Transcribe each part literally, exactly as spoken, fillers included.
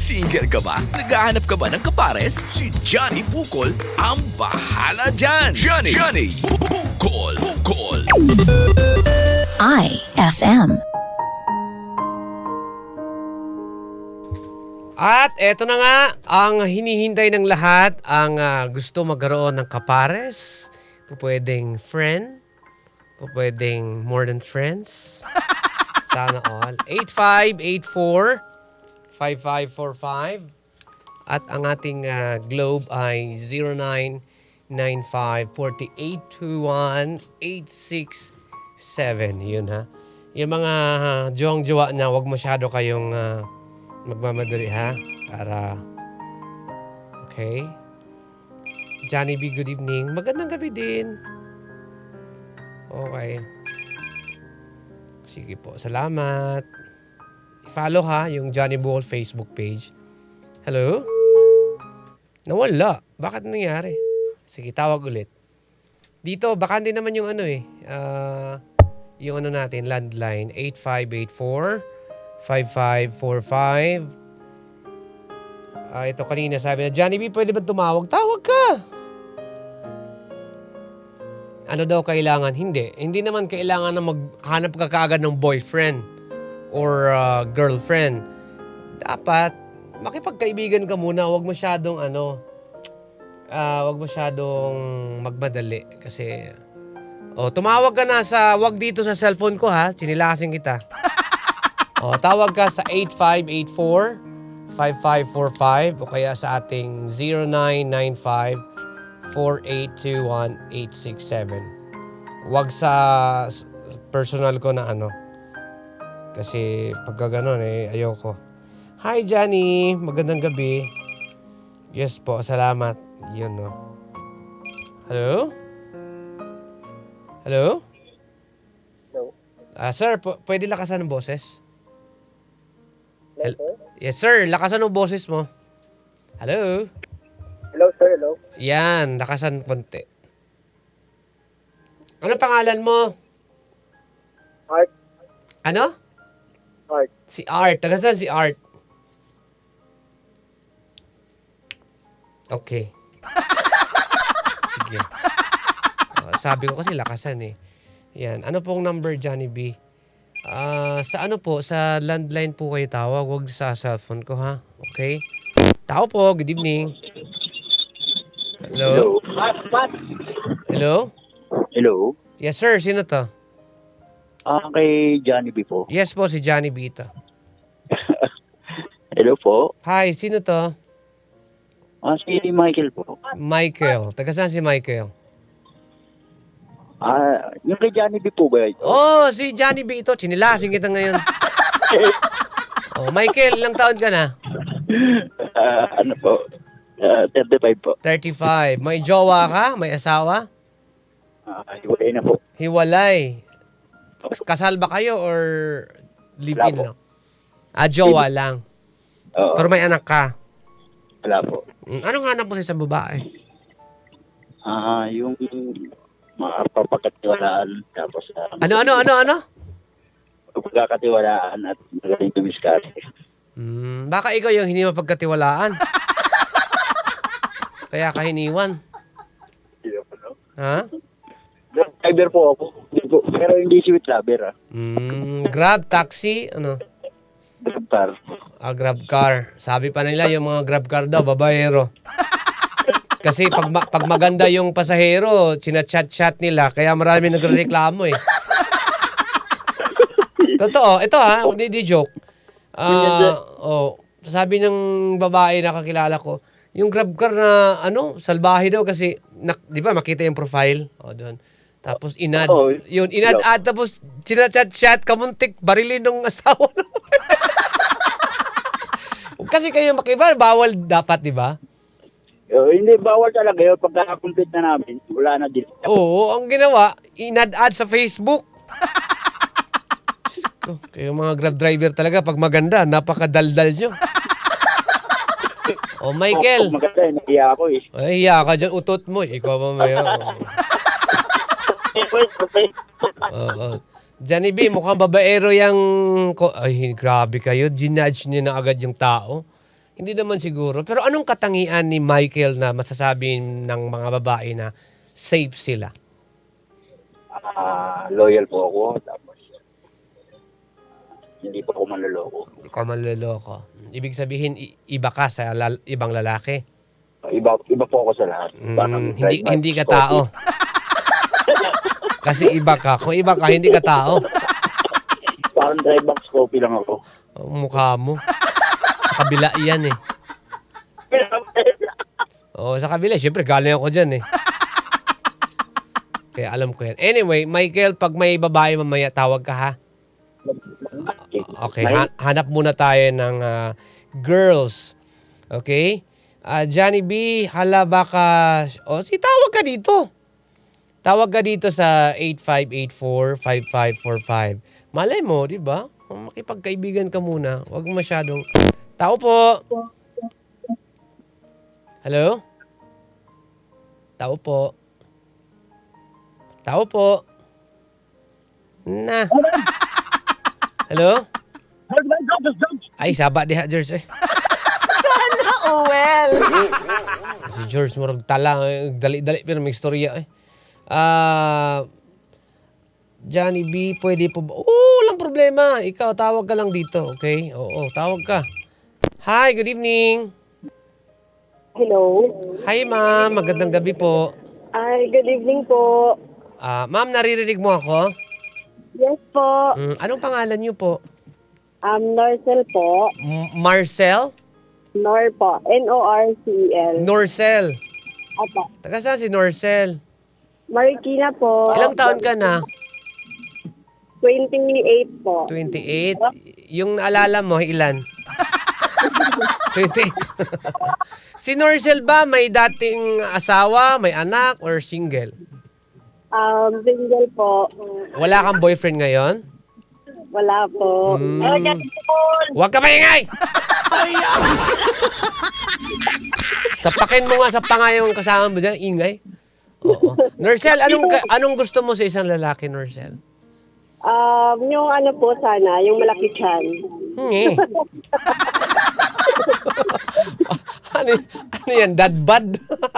Single ka ba? Naghahanap ka ba ng kapares? Si Johnny Bukol ang bahala dyan! Johnny! Johnny! Bukol! Bukol! I F M. At eto na nga, ang hinihintay ng lahat, ang ah, gusto magkaroon ng kapares, pwedeng friend, pwedeng more than friends. Sana all. eight five eight four, five five four five. At ang ating ah, globe ay zero nine nine five four eight two one eight six seven. Yun ha. Yung mga uh, jowang-jowa na, wag masyado kayong ah, magmamadali ha. Para, okay. Johnny B, good evening. Magandang gabi din. Okay. Sige po, salamat. I-follow ha yung Johnny Bukol Facebook page. Hello? Nawala. Bakit nangyari? Sige, tawag ulit. Dito, baka hindi naman yung ano eh. Uh, yung ano natin, landline. eight five eight four, five five four five. Uh, ito kanina sabi na, Johnny B, pwede ba tumawag? Tawag ka! Ano daw kailangan? Hindi. Hindi naman kailangan na maghanap ka kaagad ng boyfriend or uh, girlfriend. Dapat, makipagkaibigan ka muna. Huwag masyadong ano, uh, huwag masyadong magmadali. Kasi, oh, tumawag ka na sa, wag dito sa cellphone ko ha. Sinilasing kita. Oh, tawag ka sa eight five eight four, five five four five o kaya sa ating zero nine nine five four eight two one eight six seven. Wag sa personal ko na ano. Kasi pagka ganun eh, ayoko. Hi Johnny, magandang gabi. Yes po, salamat. Yun no. Hello? Hello? Hello? Ah, sir, p- pwede lakasan ng boses? Hello, sir? Yes sir, lakasan ng boses mo. Hello? Hello, sir. Hello. Yan, lakasan konti. Ano pangalan mo? Art. Ano? Art. Si Art. Taga saan si Art? Okay. Sige. Uh, sabi ko kasi lakasan eh. Yan. Ano pong number, Johnny B? Ah, sa ano po? Sa landline po kayo tawag. Huwag sa cellphone ko ha. Okay? Tao po. Good evening. Hello? Hello? Hello? Yes sir. Sino to? Ah, kay Johnny B po. Yes po, si Johnny B ito. Hello po. Hi, sino to? Ah, si Michael po. Michael. Taga saan si Michael? Ah, yung kay Johnny B po ba ito? Oh, si Johnny B ito. Chinilasing kita ngayon. Oh, Michael, ilang taon ka na? Ah, ano po? Ah, thirty-five po. thirty-five. May jowa ka? May asawa? Ah, hiwalay na po. Hiwalay. Kasal ba kayo or live-in Wala lang? Ah, jowa lang. Oo, Pero may anak ka. wala po. Mm, Anong hanap mo sa isang babae? Ah, yung mga papagkatiwalaan tapos ah, Ano, ano, ano, ano? pagkakatiwalaan at magaling tumiskarte. Hmm, baka ikaw yung hindi mapagkatiwalaan. Kaya ka hiniwan. Ha? Driver po ako. Hindi po. Pero hindi sweet lover ah. Mm, Grab, taxi, ano? Grab car. Ah, grab car. Sabi pa nila yung mga grab car daw, babaero. Kasi pag, ma- pag maganda yung pasahero, sinachat-chat nila, kaya marami nagreklamo eh. Totoo, ito ha, hindi di joke. Ah, oh, sabi ng babae na kakilala ko, yung grab car na ano, salbahe daw kasi, na, di ba makita yung profile? O, doon. Tapos inad, Oo. yun, inad-ad, tapos sinachat-chat, kamuntik, barilin ng asawa. Kasi kayo makiba, bawal dapat, di ba? Uh, hindi, bawal talaga yun. Pagka-complete na namin, wala na din. Oo, ang ginawa, inad-ad sa Facebook. Diyos ko, kayo mga grab driver talaga, pag maganda, napakadaldal nyo. O Michael, Pag maganda, eh, nahiya ako eh. ay, hiya ka dyan, utot mo. Ikaw pa maya. Oo. Johnny B, mukhang babaero yung... ko- Ay, grabe kayo. Ginudge niyo na agad yung tao. Hindi naman siguro. Pero anong katangian ni Michael na masasabi ng mga babae na safe sila? Ah, loyal po ako. Tapos, hindi po ako manloloko. Hindi ka manloloko. Ibig sabihin, i- iba ka sa lal- ibang lalaki. Iba, iba po ako sa lahat. Mm, hindi hindi ka tao. Kasi iba ka. Kung iba ka, hindi ka tao. Parang dry box coffee lang ako. Ang mukha mo. Sa kabila yan eh. Oo, sa kabila. Siyempre, galing ako dyan eh. Kaya alam ko yan. Anyway, Michael, pag may babae mamaya, tawag ka ha. Okay, ha- hanap muna tayo ng ah, girls. Okay? Ah, Johnny B, hala baka... O, si tawag ka dito. Tawag ka dito sa eight five eight four, five five four five. Malay mo, di ba? Makipagkaibigan ka muna. Huwag masyadong... Tao po. Hello? Tao po. Tao po. Na. Hello? Ay, saba di ha, George. Eh. Oh, well. Si George mo tala, eh, dali-dali pero may istorya eh. Ah, Johnny B, pwede po ba? Oo, walang problema. Ikaw, tawag ka lang dito, okay? Oo, tawag ka. Hi, good evening. Hello. Hi, ma'am. Magandang gabi po. Ay, good evening po. Ah, ma'am, naririnig mo ako? Yes po. Mm, anong pangalan niyo po? Um, Norcel po. M- Marcel? Nor po. N O R C E L. Norcel. Opo. Taga saan si Norcel? Marikina po. Ilang taon ka na? twenty-eight po. twenty-eight. Yung naalala mo, ilan? twenty-eight. Si Norcel ba may dating asawa, may anak, or single? Um, single po. Wala kang boyfriend ngayon? Wala po. Mm. Oh, yes, po. Huwag ka maingay! Sapakin mo nga sa panga yung kasama mo dyan, ingay. Oo. Norcel, anong, ka- anong gusto mo sa isang lalaki, Norcel? Um, yung ano po sana, yung malaki chan. Hingi. ano, ano yan, dadbad?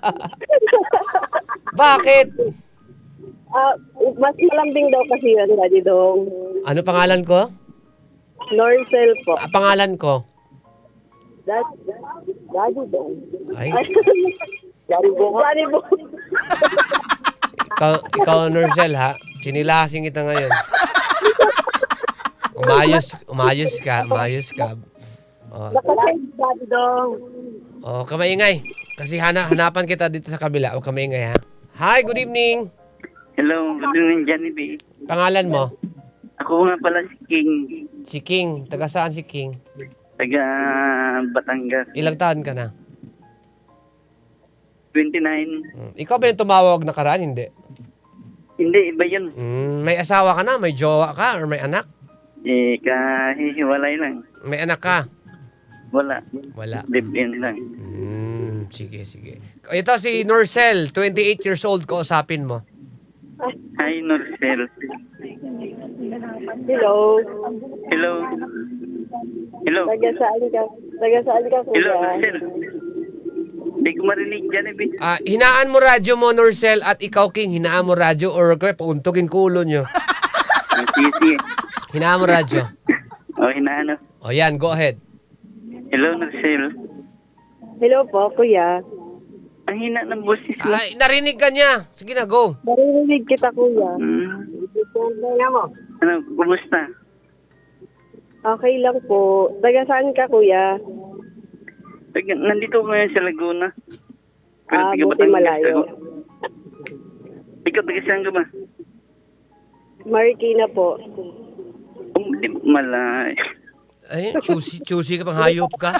Bakit? Ah, mas malambing daw kasi yun, Daddy Dong. Ano pangalan ko? Norcel po. Ah, pangalan ko? That, Daddy Dong. Ay, Daddy Dong. Daddy Dong. ikaw, ikaw Norcel ha? Sinilasing kita ngayon. Umayos, umayos ka, umayos ka. Oh, Daddy Dong. oh kamaingay. Kasi hana, hanapan kita dito sa kabila. O kamaingay ha? Hi, good evening. Hello, good evening, Johnny B. Pangalan mo? Ako nga pala si King, Si King. Taga saan si King? taga Batangas. Ilang taon ka na? twenty-nine. Hmm. Ikaw ba yung tumawag na karaan? Hindi. Hindi, iba yun. Hmm, may asawa ka na? May jowa ka? Or may anak? Eh, kahihiwalay lang. May anak ka? Wala. Wala. Live-in lang. Hmm, sige, sige. Ito si Norcel, twenty-eight years old, kausapin mo. Hi, Norcel. Hello. Hello. Hello. Taga saan ka? Taga saan ka, kuya? Hello, Norcel. Hindi ko marinig, Johnny B. Ah, hinaan mo radyo mo, Norcel, at ikaw, King, hinaan mo radyo or kaya pauntugin kulo nyo. Ah, sige, sige. Hinaan mo radyo. O, hinaano. O yan, go ahead. Hello, Norcel. Hello po, kuya. Ang hina ng boses mo. Ay, narinig ka niya. Sige na, go. Narinig kita, kuya. Hmm. Kaya mo. Ano, kumusta? Okay lang po. Taga saan ka, kuya? Taga, nandito ko ngayon sa Laguna. Ah, taga buti Batangas malayo. ako. Ikaw, taga saan ka ba? Marikina po. Um, di, malay. Ay, choosy, choosy ka pang hayop ka.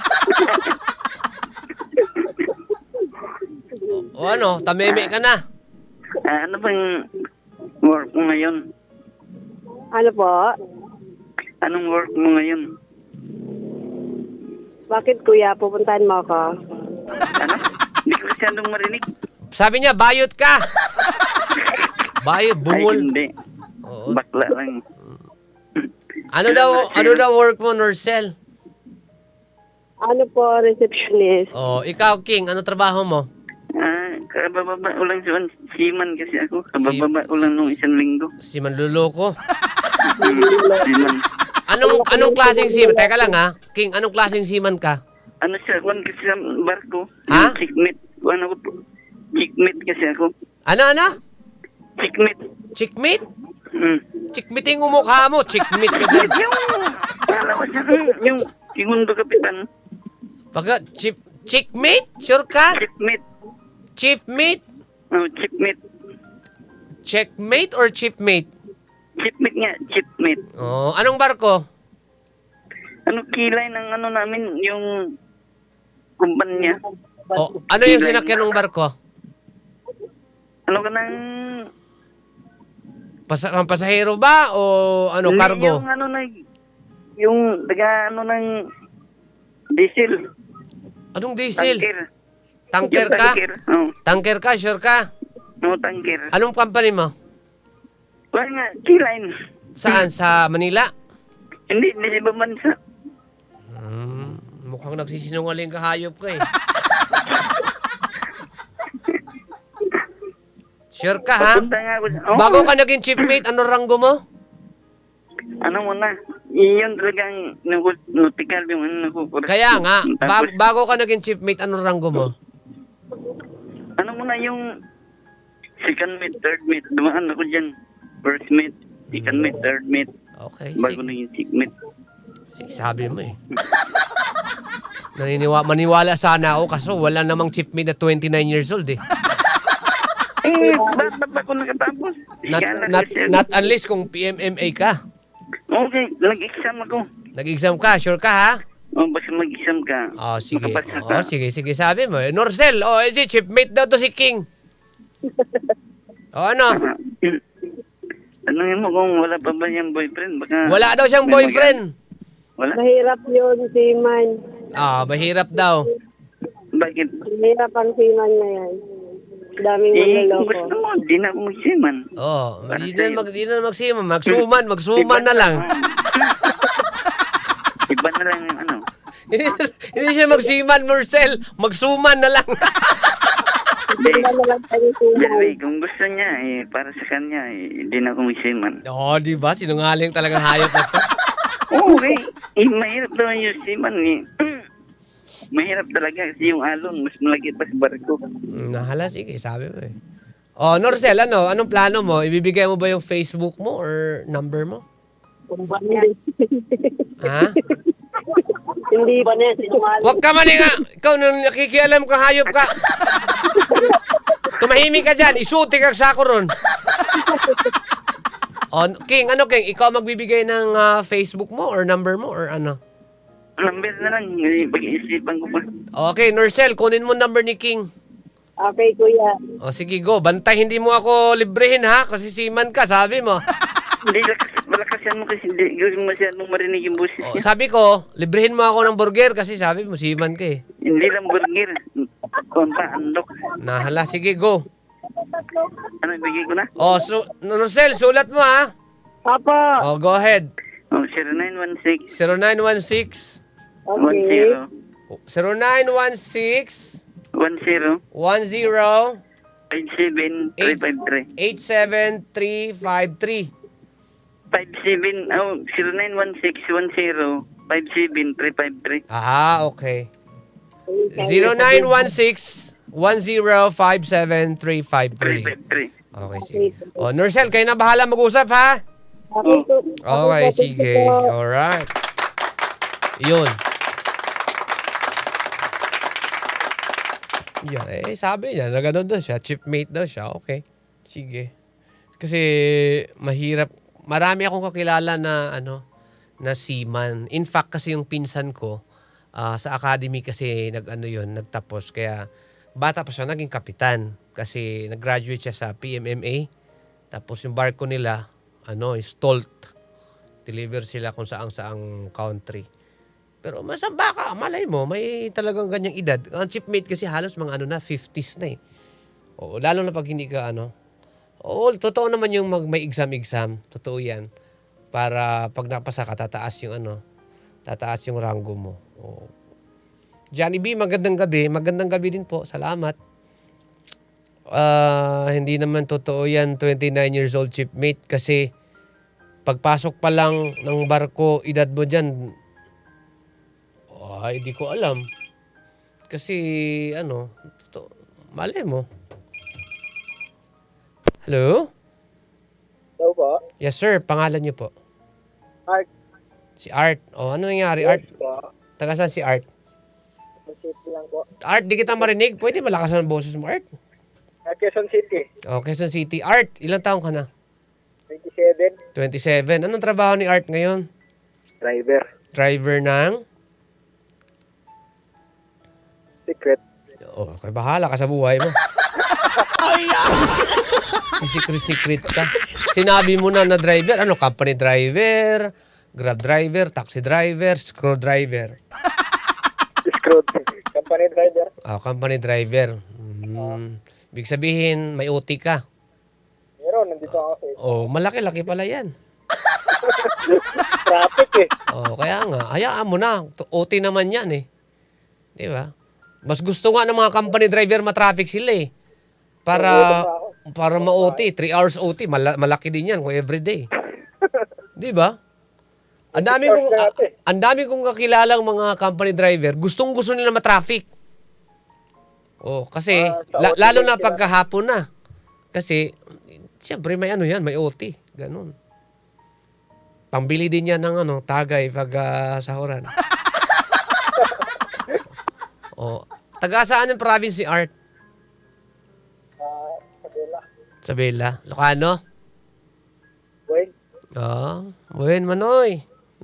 o, o ano, tameme ka na. Ah, ano bang work mo ngayon? Ano po? Anong work mo ngayon? Bakit, kuya? Pupuntahan mo ako? Ano? Hindi ko kasi anong marinig. Sabi niya, bayot ka. Bayot, Ay, bungol. hindi. Oo. Bakla lang. Ano daw, ano daw work mo, Norcel? Ano po, receptionist. Oh, ikaw, King, ano trabaho mo? Ah, kabababa ulang siya. Siman kasi ako. Kabababa ulang nung isang linggo. Si Manluloko. Hmm, Siman. Anong anong klaseng seaman? Teka lang ha. King, anong klaseng seaman ka? Ano siya? Kuhan kasi sa barko. Ha? Chickmate. Kuhan ako po. Chickmate kasi ako. Ano, ano? Chickmate. Chickmate? Hmm. Chickmate yung mukha mo. Chickmate ka dyan. Yung, paano ko siya? Hmm, Yung segundo kapitan. Pagka, chip, chickmate? Sure ka? Chickmate. Chiefmate? Oh, chickmate. Checkmate or chiefmate? Chickmate nga. Chickmate. Oh, anong barko? Ano kilay ng ano namin, yung kumpanya. Oh, ano yung sinakyan ng barko? Ano ka ng... Pas ang pasahero ba o ano, Hindi, cargo? Yung ano na... Yung taga ano ng diesel. Anong diesel? Tanker. Tanker Yung ka? Tanker. Oh, Tanker ka? Sure ka? no, tanker. Anong company mo? Wala nga, Keyline. Saan? Sa Manila? Hindi, hindi ba bansa? Hmm, mukhang nagsisinungaling ka, hayop ka eh. Sure ka ha? Papunta nga ako. Oh, Bago ka naging chiefmate, ano ranggo mo? Ano mo na? Iyon talagang nautical yung ano nakukuras. Kaya nga, Tapos, bag- bago ka naging chiefmate, ano ranggo mo? ano mo na yung second mate, third mate. Dumaan ako dyan. First mate, second mate, third mate. Okay, Bago sige. na yung sixth mate. Sige, sabi mo eh. Naniniwa, maniwala sana ako kaso wala namang chiefmate na twenty-nine years old eh. Eh, ba't ba't ako nakatapos? Not, Ika na not, kasi. not unless kung P M M A ka. Okay, nag-exam ako. Nag-exam ka, sure ka ha? Oh, basta mag-exam ka. Oh, sige. Makapasa ka. Oh, sige, sige, sabi mo. Eh, Norcel, oh, eh, si chiefmate daw to si King. Oh, ano? Ah, hmm. Tanungin mo kung wala pa ba niyang boyfriend. Baka Wala daw siyang may boyfriend. mag- Wala? Mahirap yun, seaman. Ah, mahirap daw. Bakit? Mahirap ang seaman na yan. Daming Eh, kung manloloko. gusto mo, di na ako magsiman. Oh, Para di sa'yo. na mag di na magsiman, magsuman, magsuman na lang. Iba na lang yung ano. hindi, hindi siya magsiman, Norcel, magsuman na lang. Hindi. Iba na lang tayo seaman. Anyway, kung gusto niya, eh, para sa kanya, eh, di na ako magsiman. Oh, di ba? Sinungaling talagang hayop na to. Okay. Eh, mahirap daw yung siman eh. Mahirap talaga kasi yung alon, mas malaki pa sa barko. Mm, Nahala, sige, sabi mo eh. Oh, Norcel, ano? Anong plano mo? Ibibigay mo ba yung Facebook mo or number mo? Ha? Hindi ba na sinungaling? Huwag ka maninga! Ikaw, nung nakikialam ka, hayop ka. Tumahimik ka dyan, isuti ka sa ako ron. Oh, King, ano King? Ikaw magbibigay ng ah, Facebook mo or number mo or ano? Number na lang, eh, pag-iisipan ko pa. Okay, Norcel, kunin mo number ni King. Okay, kuya. O sige, go. Bantay, hindi mo ako librehin ha, kasi siman ka, sabi mo. Hindi, lakas, malakasan mo kasi hindi hindi masyadong marinig yung boses O, niya. sabi ko, librehin mo ako ng burger kasi sabi mo, siman ka eh. Hindi lang burger. Kung pa, andok. Nahala, sige, go. Ano, ibigay ko na? O, so, Norcel, sulat mo ha. Papa. O, go ahead. Oh, zero nine one six, zero nine one six, one Okay. zero, zero nine one six, one zero, one zero, five seven, three five three. eight seven three five three. Five seven, oh, zero nine one six, one zero, five seven, three five three. Ah, okay. zero nine one six, one zero five seven three five Three three. five three. Okay, sige. O, Norcel, kayo na bahala mag-usap, ha? Okay, po. Okay, po, sige. thank you po. Alright. Yun. Yan, eh, sabi niya, na gano'n daw siya, chipmate daw siya, okay. Sige. Kasi, mahirap, marami akong kakilala na, ano, na seaman. In fact, kasi yung pinsan ko, ah, sa academy kasi, nag-ano yun, nagtapos, kaya, bata pa siya, naging kapitan. Kasi, nag-graduate siya sa P M M A. Tapos, yung barko nila, ano, stolt. Deliver sila kung saang-saang country. Pero masamba ka, malay mo, may talagang ganyang edad. Ang chipmate kasi halos mga ano na, fifties na eh. Oo, lalo na pag hindi ka ano. Oo, totoo naman yung mag, may exam-exam. Totoo yan. Para pag napasa ka, tataas yung ano, tataas yung rango mo. Oo. Johnny B, magandang gabi. Magandang gabi din po. Salamat. Ah, hindi naman totoo yan, twenty-nine years old chipmate, kasi pagpasok pa lang ng barko, edad mo dyan, ay, di ko alam. Kasi, ano, to, mali mo. Hello? Hello po. Yes, sir. Pangalan niyo po? Art. Si Art. O, ano nangyari, Art? po. Taga saan si Art? City lang po. Art, di kita marinig. Pwede malakasan ang boses mo, Art? Uh, Quezon City. O, Quezon City. Art, ilang taong ka na? twenty-seven. twenty-seven. Anong trabaho ni Art ngayon? Driver. Driver ng? Secret. Oh, kay bahala ka sa buhay mo. Secret-secret ka. Sinabi mo na na driver. Ano, company driver, grab driver, taxi driver, screwdriver. Screwed. Company driver. Ah, company driver. Hmm. Ibig sabihin, may O T ka. Meron, nandito ako sa Oh, malaki-laki pala yan. traffic eh. Oh, kaya nga. Hayaan mo na. O T naman yan eh. Di ba? Mas gusto nga ng mga company driver matraffic sila eh. Para para ma-O T. three hours O T. Mala- malaki din yan kung everyday. Di ba? Ang dami kong a- ang dami kong kakilalang mga company driver, gustong-gusto nila matraffic. Oh, kasi Ah, sa la- O T lalo din na sila. pagkahapon na. Kasi siyempre may ano yan, may O T, ganun. Pambili din yan ng ano, tagay pag ah, sahuran. Oh, taga saan yung province si Art? Ah, Sabela. Sabela, Ilocano? Wait. Oh, buhin manoy.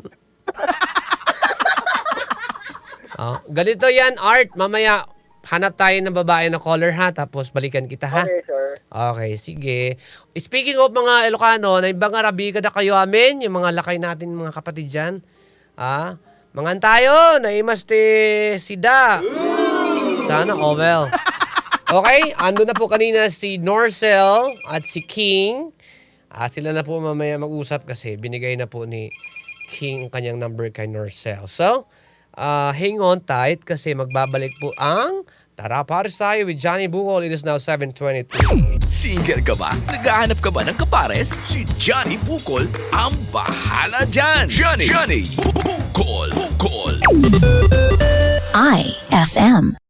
Oh, ganito yan, Art. Mamaya, hanap tayo ng babae na caller ha, tapos balikan kita ha. Okay, sir. Okay, sige. Speaking of mga Ilocano, na ibang Arabi kada kayo amin, yung mga lakay natin, mga kapatid dyan. Ah, mangan tayo, naimaste sida. Sana, oh well. Okay, ando na po kanina si Norcel at si King. Ah, sila na po mamaya mag-usap kasi binigay na po ni King ang kanyang number kay Norcel. So, ah, hang on tight kasi magbabalik po ang Tara Pares tayo with Johnny Bukol. It is now seven twenty-three. Single ka ba? Naghahanap ka ba ng kapares? Si Johnny Bukol ang bahala dyan. Johnny, Johnny Bukol, Bukol. I F M.